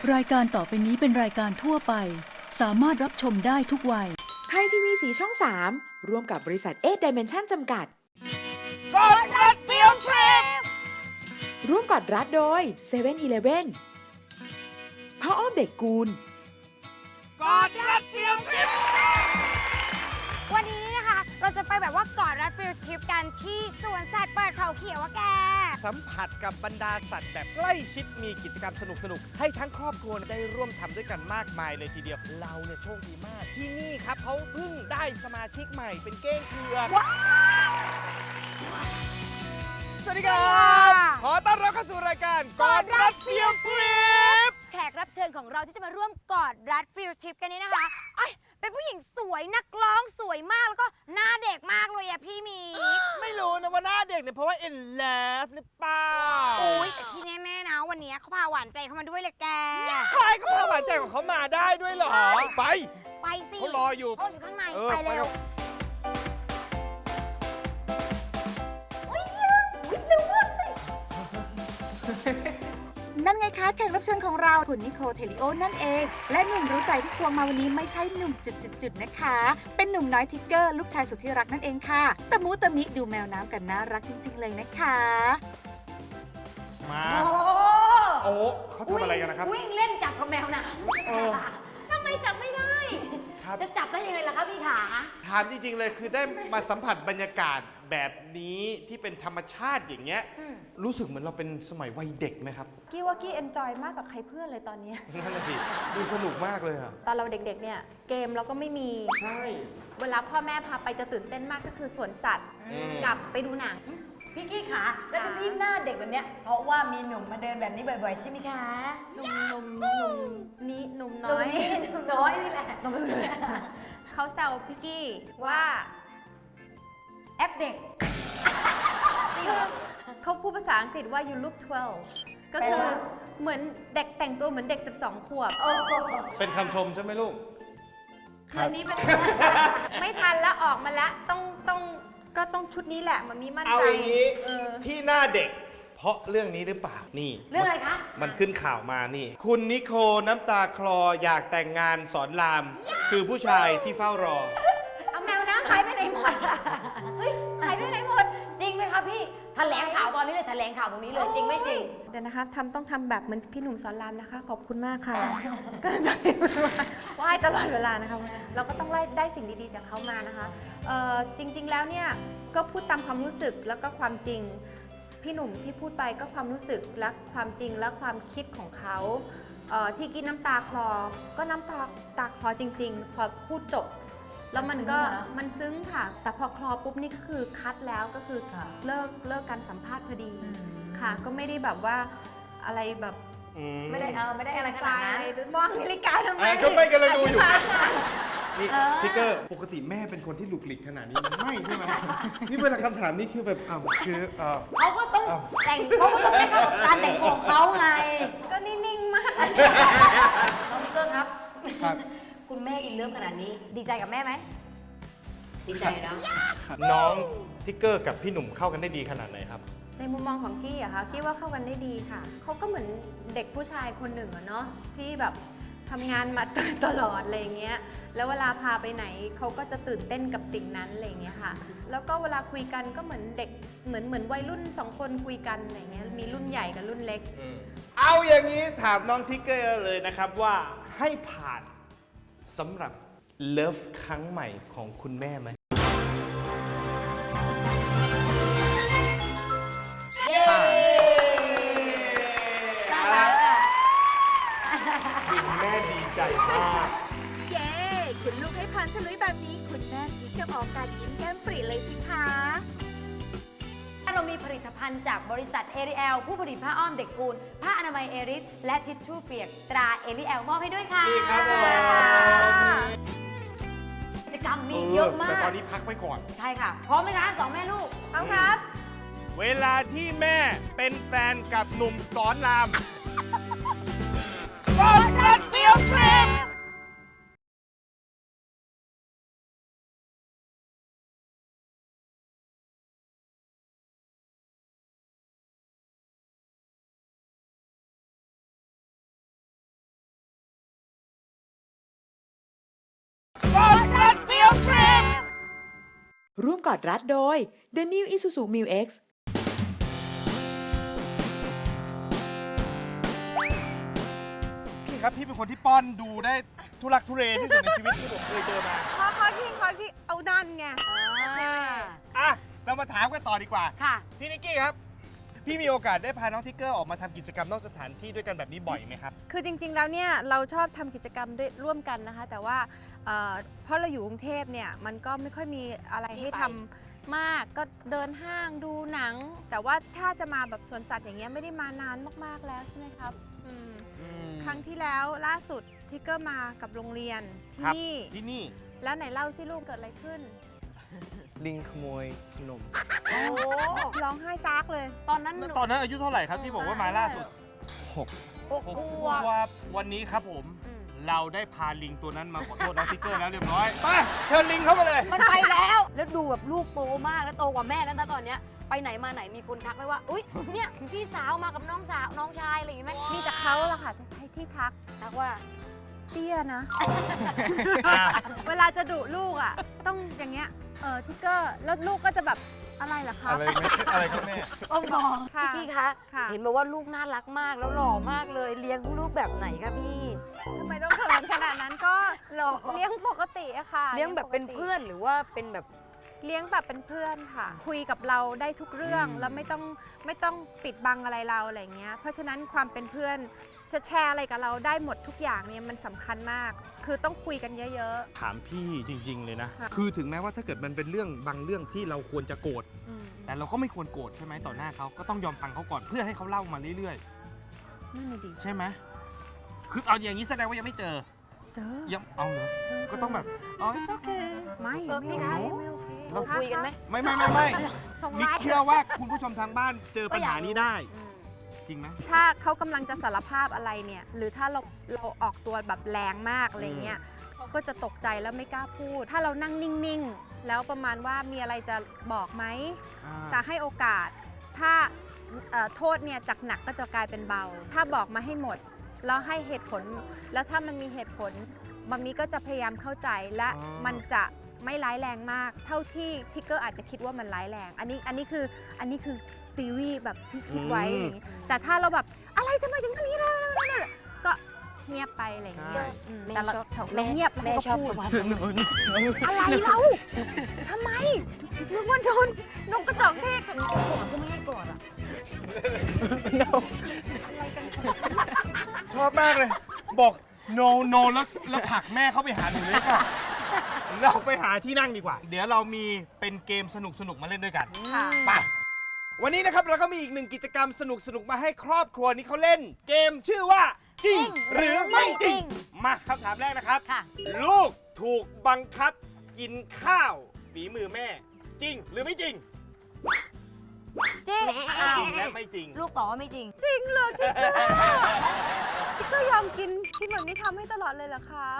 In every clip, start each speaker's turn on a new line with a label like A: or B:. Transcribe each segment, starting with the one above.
A: รายการต่อไปนี้เป็นรายการทั่วไปสามารถรับชมได้ทุกวัย
B: ไทยทีวีสีช่อง 3ร่วมกับบริษัทเดิเมนชั่นจำกัด
C: กอดรัดฟิลทริป
B: ร่วมกอดรัดโดย7 e เ e ่ e อผ้าอ้อมเด็กกูล
C: กอดรัดฟิลทริป
D: วันนี้นะคะเราจะไปแบบว่ากอดรัดฟิลทริปกันที่สวนสัตว์เปิดเขาเขียวอะแก
C: สัมผัสกับบรรดาสัตว์แบบใกล้ชิดมีกิจกรรมสนุกๆให้ทั้งครอบครัวได้ร่วมทำด้วยกันมากมายเลยทีเดียวเราเนี่ยโชคดีมากที่นี่ครับเขาเพิ่งได้สมาชิกใหม่เป็นเก้งเผือกสวัสดีครับขอต้อนรับเข้าสู่รายการกอดรัดฟิลทริป
D: แขกรับเชิญของเราที่จะมาร่วมกอดรัดฟิลทริปกันนี้นะคะเป็นผู้หญิงสวยนักร้องสวยมากแล้วก็หน้าเด็กมากเลยอะพี่มี
C: ไม่รู้นะว่าหน้าเด็กเนี่ยเพราะว่า in love หรือเปล่า
D: โอ้ยแต่ที่แน่ๆนะวันนี้เขาพาหวานใจเขามาด้วยเลยแก
C: ใช่เขาพาหวานใจของเขามาได้ด้วยเหรอไป
D: สิ
C: เขารออยู่
D: เขาอยู่ข้างในไปเร็ว
E: นั่นไงคะแขกรับเชิญของเราคุณนิโคลเทลิโอนั่นเองและหนุ่มรู้ใจที่ควงมาวันนี้ไม่ใช่หนุ่มจุดๆนะคะเป็นหนุ่มน้อยทิกเกอร์ลูกชายสุดที่รักนั่นเองค่ะตะมูตะมิดูแมวน้ำกันน่ารักจริงๆเลยนะคะ
C: มาโอ้เขาทำอะไรกันนะครับ
D: วิ่งเล่นจับกับแมวน้ำทำไมจับไม่ได้จะจับได้ยังไงล่ะครับพี่ขา
C: ถามจริงๆเลยคือได้มาสัมผัสบรรยากาศแบบนี้ที่เป็นธรรมชาติอย่างเงี้ยรู้สึกเหมือนเราเป็นสมัยวัยเด็กไหมครับ
E: กี้ว่ากี้เอนจอยมากกว่าใครเพื่อนเลยตอนนี้
C: นั่นแหละสิดูสนุกมากเลยอะ
E: ตอนเราเด็กๆเนี่ยเกมเราก็ไม่มี
C: ใช่
E: เวลาพ่อแม่พาไปจะตื่นเต้นมากก็คือสวนสัตว์กับไปดูหนัง
F: พี่กี้ขาแล้วที่พี่หน้าเด็กแบบเนี้ยเพราะว่ามีหนุ่มมาเดินแบบนี้บ่อยๆใช่ไหมคะ
E: หนุ่มนี่หนุ่มน้อย
F: หนุ่มน้อยนี่แหละ
E: เขาแซวพี่กี้ว่า
F: แอปเด็ก
E: เขาพูดภาษาอังกฤษว่า you look 12 ก็คือเหมือนเด็กแต่งตัวเหมือนเด็ก12 ขวบ
C: เป็นคำชมใช่ไหมลูก
E: อันนี้เป็นไม่ทันแล้วออกมาแล้วก็ต้องชุดนี้แหละมันมีมั่นใจ
C: เอาอย่างนี้ที่หน้าเด็กเพราะเรื่องนี้หรือเปล่านี่
F: เรื่องอะไรคะ
C: มันขึ้นข่าวมานี่คุณนิโคลน้ำตาคลออยากแต่งงานสอนรามคือผู้ชายที่เฝ้ารอ
E: เอาแมวน้ำหายไปไหนหมดเฮ้ยหายไปไหนหมด
F: จริงไหมคะพี่แถลงข่าวตอนนี้เลยแถลงข่าวตรงนี้เลยจริงไม่จริง
E: เดี๋ยวนะคะต้องทำแบบเหมือนพี่หนุ่มสอนรามนะคะขอบคุณมากค่ะก็ไหว้ตลอดเวลานะคะเราก็ต้องได้สิ่งดีๆจากเขามานะคะจริงๆแล้วเนี่ยก็พูดตามความรู้สึกแล้วก็ความจริงพี่หนุ่มที่พูดไปก็ความรู้สึกและความจริงและความคิดของเขาที่กินน้ำตาคลอก็น้ำตาคลอจริงๆพอพูดจบแล้วมันซึ้งค่ะแต่พอคลอปุ๊บนี่ก็คือคัดแล้วก็คือเลิกการสัมภาษณ์พอดีค่ะก็ไม่ได้แบบว่าอะไรแบบ
F: ไม่ได้อะไรขนาดนั้น
E: มองนาฬิกาทำไม
C: ก็ไม่กำลังดูอยู่นี่ทิกเกอร์ปกติแม่เป็นคนที่หลุกหลิกขนาดนี้ไม่ใช่ไหมนี่เวลาคำถามนี่คือแบบคือ
F: เขาก็ต้องแต่งเขาก็ต้องให้เข้ากับการแต่งของเขาไง
E: ก็นิ่งๆมาก
F: น้องทิกเกอร์ครับคุณแม่อินเลิฟขนาดนี้ดีใจกับแม่ไหมดีใจนะ
C: น้องทิกเกอร์กับพี่หนุ่มเข้ากันได้ดีขนาดไหนครับ
E: ในมุมมองของกี้อะคะกี้ว่าเข้ากันได้ดีค่ะเขาก็เหมือนเด็กผู้ชายคนหนึ่งอะเนาะที่แบบทำงานมาตลอดอะไรเงี้ยแล้วเวลาพาไปไหนเขาก็จะตื่นเต้นกับสิ่งนั้นอะไรเงี้ยค่ะแล้วก็เวลาคุยกันก็เหมือนเด็กเหมือนวัยรุ่น2 คนคุยกันอะไรเงี้ยมีรุ่นใหญ่กับรุ่นเล็ก
C: เอาอย่างนี้ถามน้องทิกเกอร์เลยนะครับว่าให้ผ่านสำหรับเลิฟครั้งใหม่ของคุณแม่ไหมคุณแม่ดีใจมาก
E: เย้คุณลูกให้ผ่านฉลุยแบบนี้คุณแม่ทิกกับออกการยิ้มแก้มปรีเลยสิคะ
F: เรามีผลิตภัณฑ์จากบริษัทเอริแอลผู้ผลิตผ้าอ้อมเด็กกูลผ้าอนามัยเอริสและทิชชู่เปียกตราเอริแอลมอบให้ด้วยค่ะ
C: นี่ครับ
F: กิจกรรมมีเยอะมาก
C: แต่ตอนนี้พักไว้ก่อน
F: ใช่ค่ะพร้อมไหมคะ2 แม่ลูก
E: พร้อมครับ
C: เวลาที่แม่เป็นแฟนกับหนุ่มสอนรามกอดรัดฟิลทริป
B: ร่วมกอดรัดโดย The New Isuzu Mu X
C: พี่ครับพี่เป็นคนที่ป้อนดูได้ทุลักทุเลที่สุดในชีวิตที่ผมเคยเจอมา
E: ขอที่เอาดันไง
C: อ่ะเรามาถามกันต่อดีกว่า
F: ค่ะ
C: พี่นิกกี้ครับ พี่มีโอกาสได้พาน้องทิกเกอร์ออกมาทำกิจกรรมนอกสถานที่ด้วยกันแบบนี้บ่อยไหมครับ
E: คือจริงๆ แล้วเนี่ยเราชอบทำกิจกรรมด้วยร่วมกันนะคะ แต่ว่าเพราะเราอยู่กรุงเทพเนี่ยมันก็ไม่ค่อยมีอะไรให้ทำมากก็เดินห้างดูหนัง แต่ว่าถ้าจะมาแบบสวนสัตว์อย่างเงี้ยไม่ได้มานานมากๆแล้วใช่ไหมครับครั้งที่แล้วล่าสุดทิกเกอร์มากับโรงเรียนที่
C: ครับ
E: นี่
C: ที่นี่
E: แล้วไหนเล่าสิลูกเกิดอะไรขึ้น
G: ลิงขโมยขนม
F: โอ้
E: ร้องไห้จากเลย
F: ตอนนั้นหนู
C: ตอนนั้นอายุเท่าไหร่ครับที่บอกว่ามาล่าสุด
F: หก
C: ผม
F: ขวบ
C: ว่าวันนี้ครับผม
E: อืม
C: เราได้พาลิงตัวนั้นมาขอโทษน้องทิกเกอร์แล้วเรียบร้อยไปเชิญลิงเข้ามาเลย
F: มันไปแล้ว แล้วดูแบบลูกโตมากแล้วโตกว่าแม่แล้วนะตอนเนี้ยไปไหนมาไหนมีคนทักไหมว่า อุ๊ย เนี่ยพี่สาวมากับน้องสาวน้องชายอะไรอย่างงี้ไหม
E: มีแต่เขาละค่ะที่ทัก
F: ทักว่า
E: เตี้ยนะ เวลาจะดุลูกอ่ะ ต้องอย่างเงี้ยทิกเกอร์แล้วลูกก็จะแบบอะไรล่ะคะ
G: อะไรไม่
C: อะไรครับแม่
F: โอ้บอก
E: ค่ะ
F: พี่คะ
E: ค่ะ
F: เห็นบอกว่าลูกน่ารักมากแล้วหล่อมากเลย เลี้ยงลูกแบบไหนคะพี่
E: ทำไมต้องเขินขนาดนั้นก็
F: หล่อ
E: เลี้ยงปกติอะค่ะ
F: เลี้ยงแบบเป็นเพื่อนหรือว่าเป็นแบบ
E: เลี้ยงแบบเป็นเพื่อนค่ะ คุยกับเราได้ทุกเรื่องแล้วไม่ต้องปิดบังอะไรเราอะไรเงี้ยเพราะฉะนั้นความเป็นเพื่อนจะแชร์อะไรกับเราได้หมดทุกอย่างเนี่ยมันสำคัญมาก คือต้องคุยกันเยอะ
C: ถามพี่จริง ๆ เลยนะ
E: ค่ะ
C: คือถึงแม้ว่าถ้าเกิดมันเป็นเรื่องบางเรื่องที่เราควรจะโกรธ
E: ๆอืม
C: แต่เราก็ไม่ควรโกรธใช่ไหมต่อหน้าเขาก็ต้องยอมฟังเขาก่อนเพื่อให้เขาเล่ามาเรื่อย
E: นั่นน่ะดิ
C: ๆ ใช่ไหมคือเอาอย่างนี้แสดงว่ายังไม่เจอ
E: เจอ
C: ยังเอาเหรอก็ต้องแบบอ๋อโอเค
E: ไม่
F: พี่
E: ไม่
F: คะ
E: ไม่โอเค
C: เรา
F: คุยกันไหม
C: ไม่
E: ส่ง
C: มิก
E: ไลน์
C: เชื่อว่าคุณผู้ชมทางบ้านเจอปัญหานี้ได้
F: อืม
C: จริงไหม
E: ถ้าเขากำลังจะสารภาพอะไรเนี่ยหรือถ้าเราออกตัวแบบแรงมากอะไรเงี้ยเขาก็จะตกใจแล้วไม่กล้าพูด ถ้าเรานั่งนิ่งๆ แล้วประมาณว่ามีอะไรจะบอกไหม จะให้โอกาส ถ้าโทษเนี่ยจากหนักก็จะกลายเป็นเบา ถ้าบอกมาให้หมด แล้วให้เหตุผล แล้วถ้ามันมีเหตุผลมัมมี่ก็จะพยายามเข้าใจและมันจะไม่ร้ายแรงมาก เท่าที่ทิกเกอร์อาจจะคิดว่ามันร้ายแรง อันนี้คือทีวีแบบที่คิดไว้อย่างงี้แต่ถ้าเราแบบอะไรทำไมถึงทำอย่างนี้เลยก็เงียบไปอะไรอย่างเงี้ย
C: ใช่
F: แม่
E: แต่เรา
F: ชอบ
E: เราเงียบแล้ว
F: แม่
E: ก็
F: ชอบ
E: พูด
F: ประมาณ
E: อะไรเราทำไมนึกว่าโดนนกกระจอกเทศ
F: ก่อนก็ไม่ให้ก่อนอ่ะ
C: ชอบมากเลย บอก no no แล้วผลักแม่เข้าไปหาหนูเลยค่ะเราไปหาที่นั่งดีกว่า เดี๋ยวเรามีเป็นเกมสนุกๆมาเล่นด้วยกัน
E: ค่ะ
C: ไปวันนี้นะครับเราก็มีอีกหนึ่งกิจกรรมสนุกๆมาให้ครอบครัวนี้เขาเล่น เกมชื่อว่าจริงหรือไม่จริง มาคำถามแรกนะครับ
F: ค่ะ
C: ลูกถูกบังคับกินข้าวฝีมือแม่ จริงหรือไม่จริง
F: จริงอ้าว
C: จริงและไม่จริง
F: ลูกตอบว่าไม่จริง
E: จริงเหรอทิกเกอร์ทิกเกอร์ยอมกินที่เหมือนไม่ทำให้ตลอดเลยเหรอครับ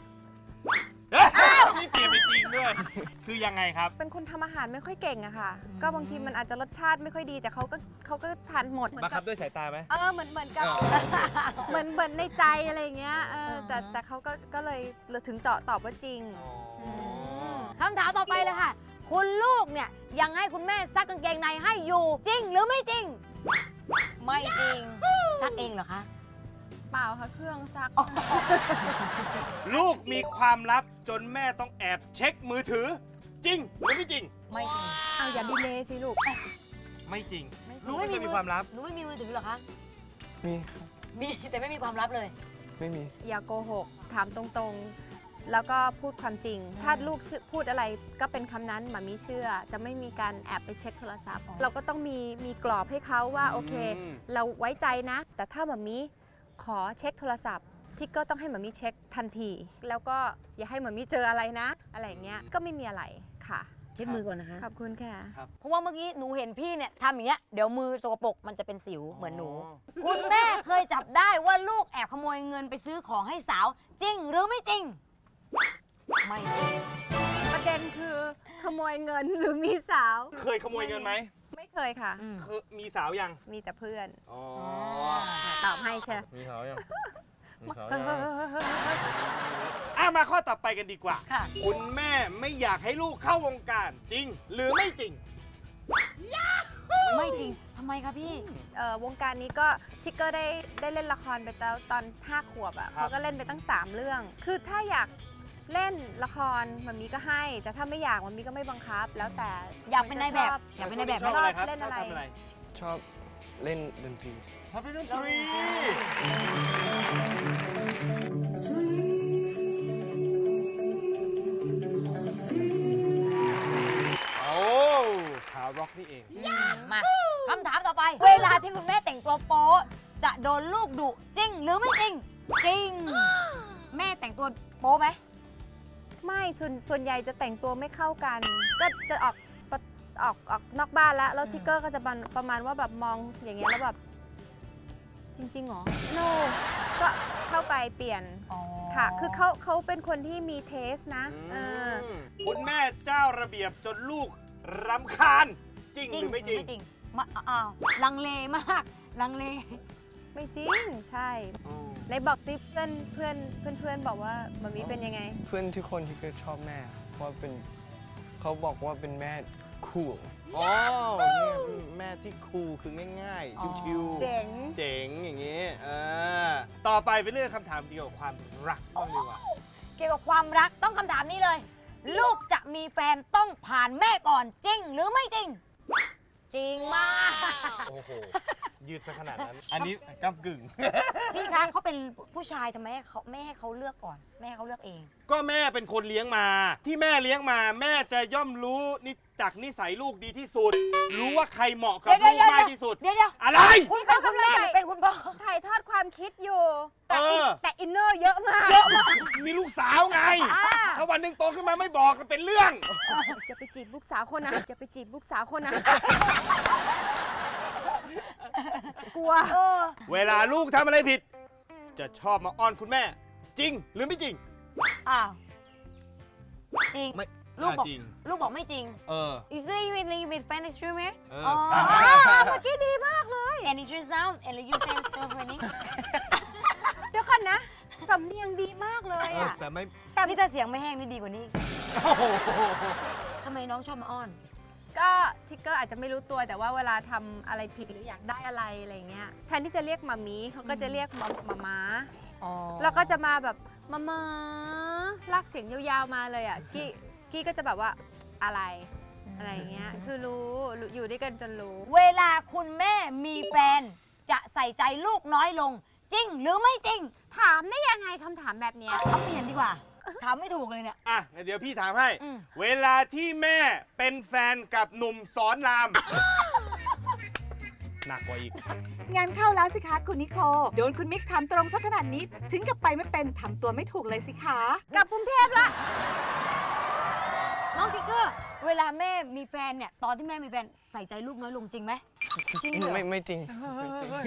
C: นี่เปลี่ยนไปจริงด้วย คือยังไงครับ
E: เป็นคนทำอาหารไม่ค่อยเก่งอะค่ะ
F: อืม
E: ก็บางทีมันอาจจะรสชาติไม่ค่อยดี แต่เขาก็ทานหมด
C: บังคับด้วยสายตาไหม
E: เหมือนกับเหมือนในใจอะไรอย่างเงี้ยแต่เขาก็เลยถึงเจาะตอบว่าจริง
F: คำถามต่อไปเลยค่ะ คุณลูกเนี่ยยังให้คุณแม่ซักกางเกงในให้อยู่ จริงหรือไม่จริง ไม่จริง ซักเองเหรอคะ
E: เปล่าค่ะเครื่องซัก
C: ลูกมีความลับจนแม่ต้องแอบเช็คมือถือ จริงหรือไม่จริง
F: ไม่จริง
E: เอาอย่าดีเลยสิลูก
C: ไม่จริง
F: ห
C: ลูกไม่เคยมีความลับ
F: หนูไม่มีมือถือเหรอคะ
G: มี
F: มีแต่ไม่มีความลับเลย
G: ไม่มี
E: อย่าโกหก ถามตรงๆ แล้วก็พูดความจริง ถ้าลูกพูดอะไรก็เป็นคำนั้นหมามีเชื่อ จะไม่มีการแอบไปเช็คโทรศัพท์ เราก็ต้องมีกรอบให้เขาว่าโอเค เราไว้ใจนะ แต่ถ้าหมามีขอเช็คโทรศัพท์ที่ก็ต้องให้หมามีเช็คทันที แล้วก็อย่าให้หมามีเจออะไรนะ อะไรอย่างเงี้ย ก็ไม่มีอะไรค่ะ
F: เช็ดมือก่อนนะคะ
E: ขอบคุณค่ะ
F: เพราะว่าเมื่อกี้หนูเห็นพี่เนี่ยทำอย่างเงี้ย เดี๋ยวมือสกปรกมันจะเป็นสิวเหมือนหนู คุณแม่เคยจับได้ว่าลูกแอบขโมยเงินไปซื้อของให้สาว จริงหรือไม่จริง ไม่จริง
E: ประเด็นคือขโมยเงินหรือมีสาว
C: เคยขโมยเงินไหม
E: ไม่เคยค่ะ
F: อืม
C: เคยมีสาวยัง
E: มีแต่เพื่อน
C: อ๋อ
E: ตอบให้ใช่
G: มีเขายัง
C: มาข้อต่อไปกันดีกว่า
F: ค่ะ
C: คุณแม่ไม่อยากให้ลูกเข้าวงการจริง หรือไม่จริง
F: ไม่จริงทำไมคะพี่
E: วงการนี้ก็ทิกเกอร์ได้เล่นละครไปแล้วตอน5 ขวบอ่ะ
C: ครับ
E: เขาก็เล่นไปตั้ง 3 เรื่อง คือถ้าอยากเล่นละครมันมีก็ให้ แต่ถ้าไม่อยากมันมีก็ไม่บังคับ แล้วแต่
F: อยากเป็นนายแบบ อยากเป็นนายแบบไห
C: ช
F: ม
C: อบอะไรครับ
E: เล่นอะไร
C: ชอบทำอะไร
G: ชอบเล่นดนตรี
C: ชอบเล่นดนตรีโอ้ข่าวร็อกนี่เอง
F: มาคำถามต่อไป เวลาที่คุณแม่แต่งตัวโป๊จะโดนลูกดุจริงหรือไม่จริง จริง แม่แต่งตัวโป๊ไหม
E: ไม่ส่วนใหญ่จะแต่งตัวไม่เข้ากัน ก็จะออกนอกบ้านแล้วทิกเกอร์ก็จะประมาณว่าแบบมองอย่างเงี้ยแล้วแบบจริงๆเหรอ no ก็เข้าไปเปลี่ยนค่ะ คือเขาเป็นคนที่มีเทสนะ
C: คุณแม่เจ้าระเบียบจนลูกรำคาญ จริงหรือไม่จริง
F: ไม่จริงมาอ้าวลังเลมากลังเล
E: ไม่จริงใช่ในบอกที่เพื่อนบอกว่ามันมีเป็นยังไง
G: เพื่อนทุกคนที่เคยชอบแม่ว่าเป็นเขาบอกว่าเป็นแม่คูล
C: อ๋อแม่ที่คูลคือง่ายๆ ชิวๆ
E: เจ๋ง
C: เจ๋งอย่างนี้ต่อไปเป็นเรื่องคำถามเกี่ยวกับความรักบ้างดีกว่า
F: เกี่ยวกับความรักต้องคำถามนี้เลย ลูกจะมีแฟนต้องผ่านแม่ก่อนจริงหรือไม่จริง จริงมาก
C: โอ้โห ยืดซะขนาดนั้น อันนี้ก้ำกึ่ง
F: พี่คะเขาเป็นผู้ชายทำไมแม่ให้เขาเลือกก่อน แม่ให้เขาเลือกเอง
C: ก็แม่เป็นคนเลี้ยงมา ที่แม่เลี้ยงมา แม่จะย่อมรู้จากนิสัยลูกดีที่สุด รู้ว่าใครเหมาะกับลูกมากที่สุด
F: เดี๋ยว
C: อะไร
F: คุณเป็นคุณแม่หรือเป็นคุณพ่อ
E: ถ่ายทอดความคิดอยู่
C: เออ
E: แต่อินเนอร์เยอะมาก
C: มีลูกสาวไง ถ้าวันหนึ่งโตขึ้นมาไม่บอกมันเป็นเรื่อง
E: อย่าไปจีบลูกสาวคนนะอย่าไปจีบลูกสาวคนนะ กลัว
C: เวลาลูกทำอะไรผิด จะชอบมาอ้อนคุณแม่ จริงหรือไม่จริง
F: อ้าว จริง
C: ไม่
F: ลูกบอก
C: จริง
F: ลูกบอกไม่จริง
C: You
F: say you with Spanish streamer
C: เออ
E: เมื่อกี้ดีมากเลย
F: and it's just now and you say so funny
E: เดี๋ยวก่อนนะ สำเนียงดีมากเลยอ่ะ
C: แต่ไม่
F: แต่นี่ถ้าเสียงไม่แห้งนี่ดีกว่านี้
C: โอ้โห
F: ทำไมน้องชอบมาอ้อน
E: ก็ทิกเกอร์อาจจะไม่รู้ตัวแต่ว่าเวลาทำอะไรผิดหรืออยากได้อะไรอะไรเงี้ยแทนที่จะเรียกมามีเขาก็จะเรียกมาม้าแล้วก็จะมาแบบมาลากเสียงยาวๆมาเลยอ่ะกี้ก็จะแบบว่าอะไรอย่างเงี้ยคือรู้อยู่ด้วยกันจนรู้
F: เวลาคุณแม่มีแฟนจะใส่ใจลูกน้อยลง จริงหรือไม่จริง
E: ถามได้ยังไงคำถามแบบเนี้ย
F: เอาเปลี่ยนดีกว่า ถามไม่ถูกเลยเนี่ย
C: อ่ะเดี๋ยวพี่ถามให้
F: อืม
C: เวลาที่แม่เป็นแฟนกับหนุ่มสอนราม หนักกว่าอีก
B: งานเข้าแล้วสิคะคุณนิโคลโดนคุณมิกถามตรงสักขนาดนี้ ถึงกับไปไม่เป็นทำตัวไม่ถูกเลยสิคะ
E: กลับกรุงเทพละ
F: น้องติ๊กเกอร์ เวลาแม่มีแฟนเนี่ย ตอนที่แม่มีแฟนใส่ใจลูกน้อยลงจริงไหมจริงเหรอ
G: ไม่จริงไม่จริง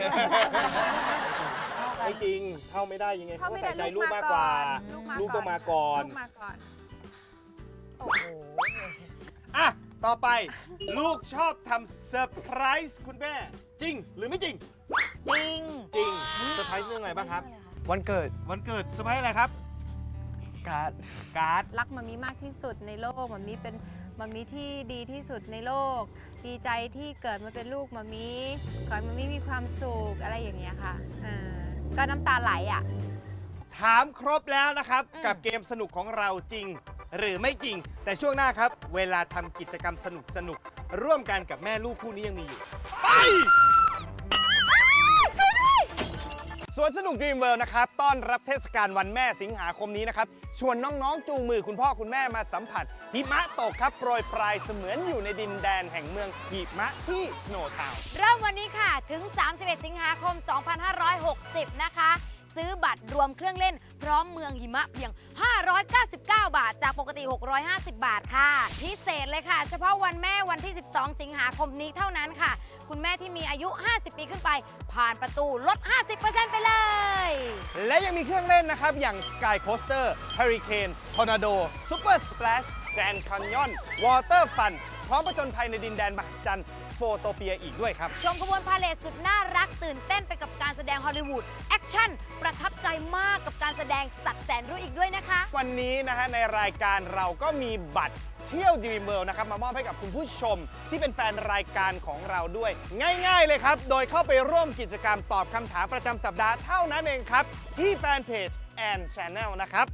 C: ไม่จริง เข้าไม่ได้ยังไงเขาใส่ใจลูกมากกว่า ลู
E: ลู
C: กต้องมาก่อน
E: ลูกมาก่อน
F: โอ้โห
C: อ่ะ ต่อไป ลูกชอบทำเซอร์ไพรส์คุณแม่ จริงหรือไม่จริง
F: จริง
C: จริง เซอร์ไพรส์เรื่องอะไรบ้างครับ
G: วันเกิด
C: วันเกิดเซอร์ไพรส์อะไรครับ
G: การ์ด
C: การ์ด
E: รักมันมีมากที่สุดในโลกมันมีเป็นมันมีที่ดีที่สุดในโลก ดีใจที่เกิดมาเป็นลูกมันมีขอให้มันมีความสุขอะไรอย่างเงี้ยค่ะก็น้ำตาไหลอ่ะ
C: ถามครบแล้วนะครับ กับเกมสนุกของเราจริง หรือไม่จริง แต่ช่วงหน้าครับ เวลาทำกิจกรรมสนุกร่วมกันกับแม่ลูกคู่นี้ยังมีอยู่ ไป สวนสนุก Dream World นะครับ ต้อนรับเทศกาลวันแม่สิงหาคมนี้นะครับ ชวนน้องๆ จูงมือคุณพ่อคุณแม่มาสัมผัสหิมะตกครับ โปรยปลายเสมือนอยู่ในดินแดนแห่งเมืองหิมะที่ Snow Town
F: เริ่มวันนี้ค่ะ ถึง 31 สิงหาคม 2560 นะคะ ซื้อบัตรรวมเครื่องเล่นพร้อมเมืองหิมะเพียง 599 บาท จากปกติ 650 บาทค่ะ พิเศษเลยค่ะ เฉพาะวันแม่วันที่ 12 สิงหาคมนี้เท่านั้นค่ะ คุณแม่ที่มีอายุ 50 ปีขึ้นไป ผ่านประตูลด 50% ไปเลย
C: และยังมีเครื่องเล่นนะครับ อย่าง Sky Coaster Hurricane Tornado Super Splash Grand Canyon Water Fun พร้อมผจญภัยในดินแดนมหัศจรรย์โฟโตเปียอีกด้วยครับ
D: ชมขบวนพาเหรดสุดน่ารักตื่นเต้นไปกับการแสดงฮอลลีวูดแอคชั่นประทับใจมากกับการแสดงสัตว์แสนรู้อีกด้วยนะคะ
C: วันนี้นะฮะในรายการเราก็มีบัตรเที่ยว Dream World นะครับมามอบให้กับคุณผู้ชมที่เป็นแฟนรายการของเราด้วย ง่ายๆเลยครับ โดยเข้าไปร่วมกิจกรรมตอบคำถามประจำสัปดาห์เท่านั้นเองครับ ที่แฟนเพจ and Channel นะครับ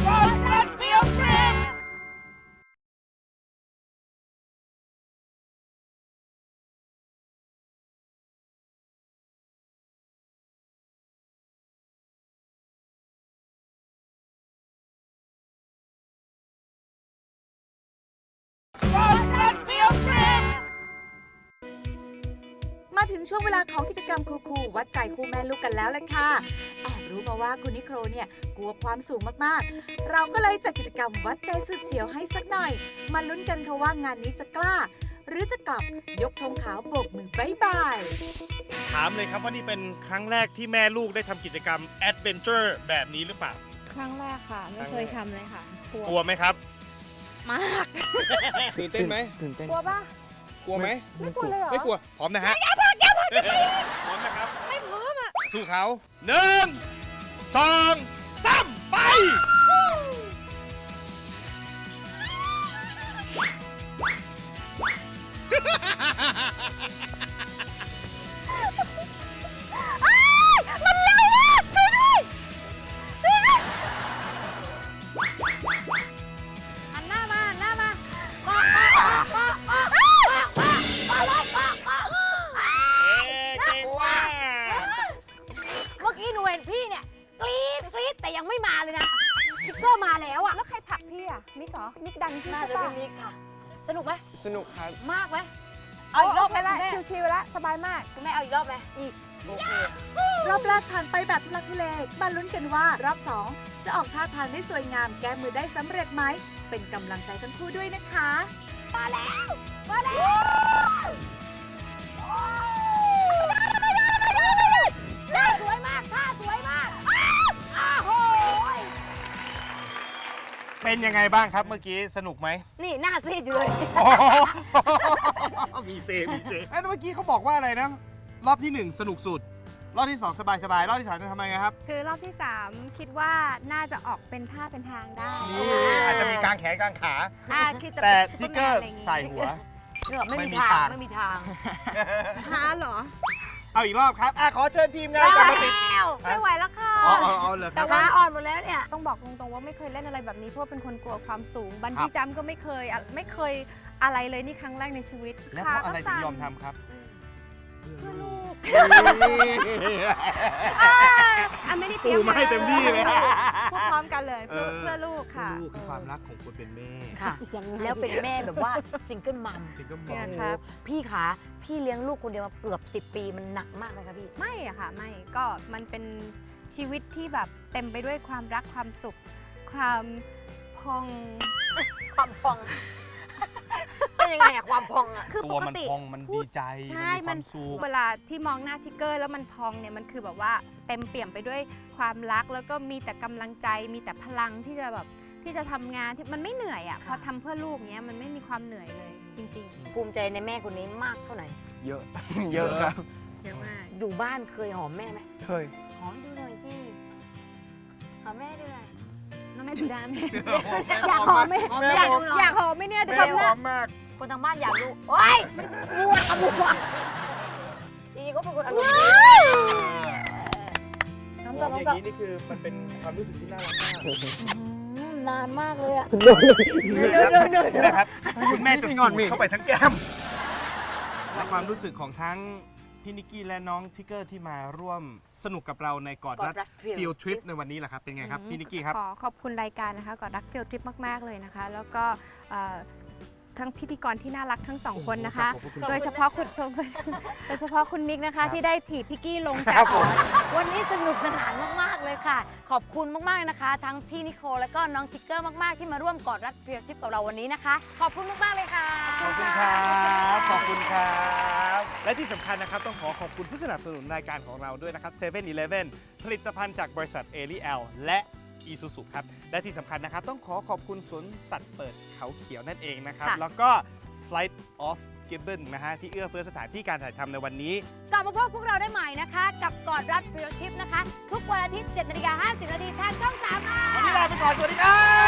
B: มาถึงช่วงเวลาของกิจกรรมคูลๆวัดใจคู่แม่ลูกกันแล้วแหละค่ะ แอบรู้มาว่าคุณนิโคลเนี่ยกลัวความสูงมากๆ เราก็เลยจัดกิจกรรมวัดใจสุดเสียวให้สักหน่อย มาลุ้นกันค่ะว่างานนี้จะกล้า หรือจะกลับยกธงขาวโบกมือบายบาย
C: ถามเลยครับว่านี่เป็นครั้งแรกที่แม่ลูกได้ทำกิจกรรมแอดเวนเจอร์แบบนี้หรือเปล่า
E: ครั้งแรกค่ะ ไม่เคยทำเลยค่ะ
C: กลัวไหมครับ
E: มาก
C: ตื่นเต้นไหม
G: ตื่นเต้น
E: กลัวป่ะ
C: กลัวไหม
E: ไม่กลัวเลยเหรอ
C: ไม่กลัว พร้อมนะฮะ พร้อมนะครับ ไม่พร้อมอ่ะ สู้เขา1 2 3 ไป
D: หันหน้ามาหันหน้ามาเกาะเกาะเกาะเกาะเกาะเกาะเกาะเกาะเกาะเกาะ
C: เก่งมาก
D: เมื่อกี้หนูเห็นพี่เนี่ยกรี๊ดกรี๊ดแต่ยังไม่มาเลยนะพิกเกอร์มาแล้วอะ
E: แล้วใครผลักพี่อ่ะ มิกเหรอ มิกดันพี่
D: น่า
E: ใช่
D: จะ
E: ป่ะ
D: เป็นมิกค่ะ สนุกไหม
G: สนุกครับ
D: มากไหมเอาอีกรอบไหม
E: โอเคละ
D: คุณแม่
E: ชิวๆละสบายมาก
D: คุณแม่เอาอีกรอบไหม
E: อีก
D: โอเค
B: รอบแรกผ่านไปแบบทุลักทุเลมาลุ้นกันว่ารอบ 2 จะออกท่าทางได้สวยงามแก้มือได้สำเร็จไหม เป็นกำลังใจทั้งคู่ด้วยนะคะ
D: มาแล้วมาแล้วท่าสวยมากท่าสวยมากอ้าวโหย
C: เป็นยังไงบ้างครับเมื่อกี้สนุกไหม
D: นี่หน้าซีดอยู่เลย
C: มีเซเมื่อกี้เขาบอกว่าอะไรนะ รอบที่ 1 สนุกสุด รอบที่ 2 สบายๆ รอบที่ 3 จะทำยังไงครับ
E: คือรอบที่ 3 คิดว่าน่าจะออกเป็นท่าเป็นทางได้
C: นี่อาจจะมีกางแขนกางขา
E: คือจะ
C: แต่
E: เป็นซุป
C: ทิก
E: ป
C: เกอ
E: ร์
C: ร์
E: แมนอะไรอย่างงี้
C: ใส่หัว
D: เกือบไม่
C: ไม่
D: มี
C: มี
D: ทา
C: ทาง ง
D: ไม่มีทาง
E: ฮาเหรอ
C: เอาอีกรอบครับขอเชิญทีมงานกลับมาติด
E: ไม่ไหวแล้วค่ะ
C: อ๋อเหรอค
E: แต่
C: รับ
E: ว่า
D: ขาอ่อนหมดแล้วเนี่ย
E: ต้องบอกตรงๆว่าไม่เคยเล่นอะไรแบบนี้เพราะว่าเป็นคนกลัวความสูง บันจี้จัมป์ก็ไม่เคยอะไรเลยนี่ครั้งแรกในชีวิต
C: แล้วเพราะอะไรถึงยอมทำครับ
E: เพื่อลูก ไม่ได้เต
C: ปู
E: รียม
C: มาให้เต็มที่เลย
E: พูดพร้อมกันเลยเพื่อลูกค่ะ
C: ลูกคือความรักของคนเป็นแม่
D: ค่ะ แล้วเป็นแม่แบบว่าซิงเกิลมัม
C: ซิงเกิลม
E: เนี่
C: อย ม
E: ครับ
D: พี่ขาพี่เลี้ยงลูกคนเดียวมาเกือบ10 ปีมันหนักมากเลยค่ะพี่
E: ไม่อะค่ะไม่ก็มันเป็นชีวิตที่แบบเต็มไปด้วยความรักความสุข ความพอง
D: ความพอง เป็นยังไงอะความพองอะ
E: คือ
C: ตั
E: ป
C: ว
E: ก
C: มัน
E: ติ
C: พองมันดีใจ
E: ใช่
C: มันมีความสุข
E: เวลาที่มองหน้าทิกเกอร์แล้วมันพองเนี่ยมันคือแบบว่าเต็มเปี่ยมไปด้วยความรักแล้วก็มีแต่กำลังใจมีแต่พลังที่จะแบบที่จะทำงานที่มันไม่เหนื่อยอะพอทำเพื่อลูกเนี้ยมันไม่มีความเหนื่อยเลยจริง
D: ภูมิใจในแม่คนนี้มากเท่าไหร่
G: เยอะ เยอะครับ
E: ๆเยอะมาก
D: อยู่บ้านเคยหอมแม่ไหม
G: เคย
D: หอมดูหน่อยจีหอมแม่ดูหน่อย
E: น้องแม่ดูด้าน
C: แม่
E: อยากหอมไหม
D: หอมแม่
E: อยาก
D: ดูหน่อย
E: อยากหอมไหมเนี่ยเดี๋ยว
C: แม่
E: ทำ
C: ห
E: หน้า
C: อมมาก
D: คนทางบ้านอยากดูโอ๊ยมันมัวขมัวอีก็เป็นคนอารมณ์ดีน้ำ
C: ห
D: ตา
C: อ
D: ล
C: ม
D: น้ำ
C: อ
D: ตา
C: ย่างนี้นี่คือมันเป็นความรู้สึกที่น่ารักมาก
D: นานมากเลยอะ
C: นะครับคุณแม่จะสูดเข้าไปทั้งแก้มและความรู้สึกของทั้งพี่นิกกี้และน้องทิกเกอร์ที่มาร่วมสนุกกับเราในกอดรัดฟิลทริปในวันนี้แหละครับ เป็นไงครับ พี่นิกกี้ครับ
E: ขอขอบคุณรายการนะคะก่อนรักฟิลทริปมากๆเลยนะคะ แล้วก็ทั้งพิธีกรที่น่ารักทั้งสองคนนะคะ
C: ขอบคุณ
E: โดยเฉพาะคุณโดยเฉพาะคุณมิกนะคะ ที่ได้ถีบพิกกี้ลง
C: ค
E: จา
C: รั
E: ก
C: บผม
D: วันนี้สนุกสนานมากๆเลยค่ะ ขอบคุณมากๆนะคะ ทั้งพี่นิโคลและก็น้องทิกเกอร์มากๆที่มาร่วมกอดรัดฟิลทริปกับเราวันนี้นะคะ ขอบคุณมากๆเลยค่ะ
C: ขอบคุณครับ ขอบคุณครับ และที่สำคัญนะครับต้องขอขอบคุณผู้สนับสนุนรายการของเราด้วยนะครับ7-Eleven ผลิตภัณฑ์จากบริษัทเอริแอลและอีซูซูครับ และที่สำคัญนะครับต้องขอขอบคุณสวนสัตว์เปิดเขาเขียวนั่นเองนะครับ
D: ค่ะ
C: แล้วก็ Flight of Gibbon นะฮะที่เอื้อเฟื้อสถานที่การถ่ายทำในวันนี้
D: กลับมาพบพวกเราได้ใหม่นะคะ กับกอดรัดฟิลชิปนะคะ ทุกวันอาทิตย์ 7:50 น. ทางช่อง 3 ค่ะ
C: วันนี้ลาไปก่อน สวัสดีครับ